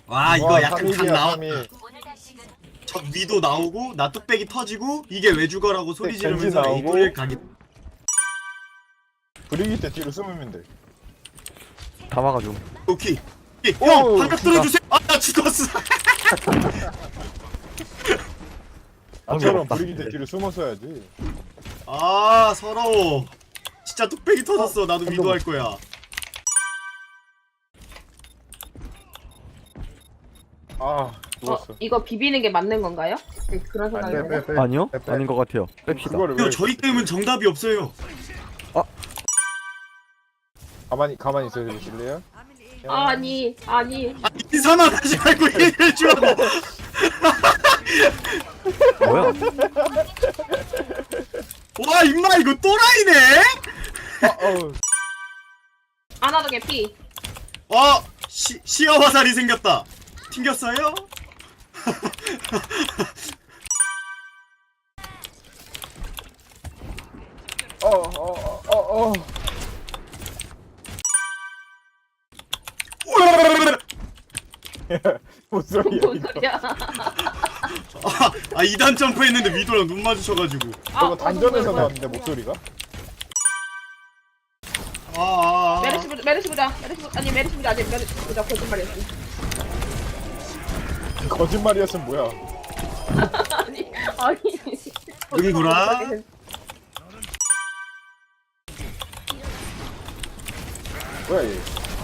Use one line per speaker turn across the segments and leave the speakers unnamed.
와 이거
와,
약간 각
3일이야,
나와.
3일.
적 위도 나오고 나 뚝배기 터지고 이게 왜 죽어라고 소리
겐지
지르면서
나오고.
에이토를 가기.
브리기 때 뒤로 숨으면 돼.
다 막아줘.
오케이.
오,
형 반갑
진짜.
들어주세요. 아 나 죽었어.
나처럼
없다.
브리기 때 뒤로 숨었어야지.
아 서러워. 진짜 뚝배기 터졌어. 나도 위도 할 거야.
아, 죽었어.
이거 비비는 게 맞는 건가요? 그런 생각이
안 돼,
드네.
빼.
아니요?
빼.
아닌 것 같아요. 뺍시다.
그거를
이거
왜
저희 게임은 정답이 없어요.
가만히 있어 주실래요?
아니
인사만 하지 말고 얘기해 주라고.
뭐야?
와 임마 이거 또라이네.
어우.
아나도 개피.
시어 화살이 생겼다. 튕겼어요?
어. 뭔 소리야
뭔
이거?
소리야?
아 2단 점프했는데 위도랑 눈 마주쳐가지고.
저거 단전에서 나왔는데 목소리가?
메르시 보자. 아직 메르시 보자. 거짓말이었어.
거짓말이었으면 뭐야?
아니.
능구라.
뭐야 얘?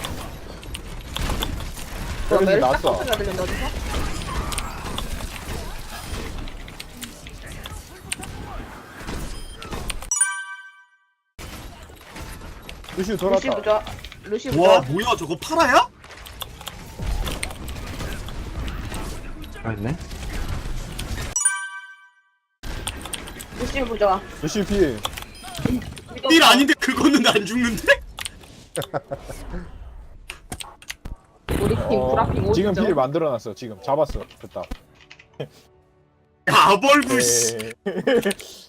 메르시
메르시
딱
나왔어.
소리가 들렸는데 어디서?
루시우
루시
돌았다.
보자. 루시
와
보자.
뭐야 저거 파라야?
아니네.
루시 보자.
루시우 피해.
일 아닌데 그거는 안 죽는데?
우리 팀 브라핑 오죠.
지금 피를 만들어놨어. 지금 잡았어. 됐다.
아벌구 씨.
네.